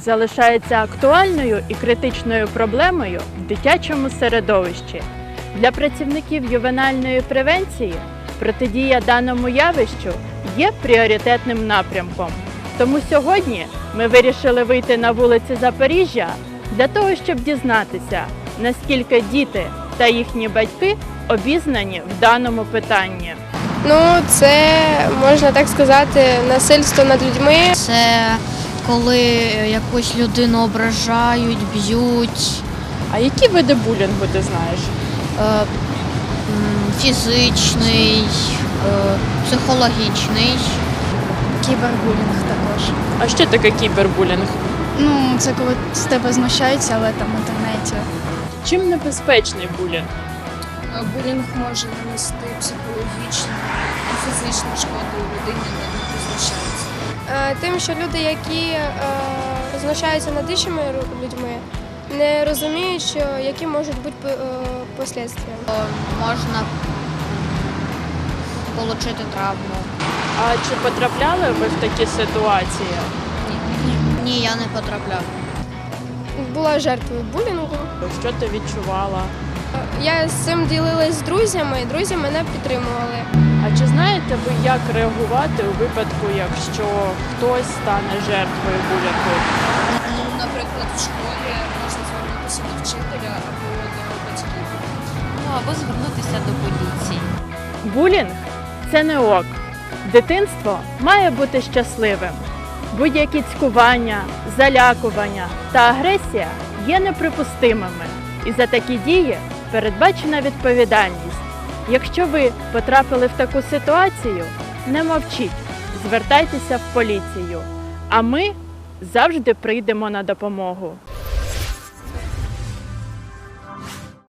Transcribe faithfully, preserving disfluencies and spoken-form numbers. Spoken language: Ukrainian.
залишається актуальною і критичною проблемою в дитячому середовищі. Для працівників ювенальної превенції протидія даному явищу є пріоритетним напрямком. Тому сьогодні ми вирішили вийти на вулиці Запоріжжя для того, щоб дізнатися, наскільки діти та їхні батьки обізнані в даному питанні. Ну, це, можна так сказати, насильство над людьми. Це коли якусь людину ображають, б'ють. А які види булінгу ти знаєш? Е, м, фізичний, е, психологічний. Кібербулінг також. А що таке кібербулінг? Ну, це коли з тебе знущаються, але там в інтернеті. Чим небезпечний булінг? Булінг може нанести психологічну і фізичну шкоду людині, над якою знущаються. Е, Тим, що люди, які е, знущаються над іншими ру- людьми, не розуміють, що які можуть бути е, послідствия. Е, Можна отримати травму. А чи потрапляли ви в такі ситуації? Ні, я не потрапляв. Була жертвою булінгу. Що ти відчувала? Я з цим ділилась з друзями, і друзі мене підтримували. А чи знаєте ви, як реагувати у випадку, якщо хтось стане жертвою булінгу? Ну, наприклад, в школі можна звернутися до вчителя або до батьків. Ну, або звернутися до поліції. Булінг – це не ок. Дитинство має бути щасливим. Будь-які цькування, залякування та агресія є неприпустимими. І за такі дії передбачена відповідальність. Якщо ви потрапили в таку ситуацію, не мовчіть, звертайтеся в поліцію. А ми завжди прийдемо на допомогу.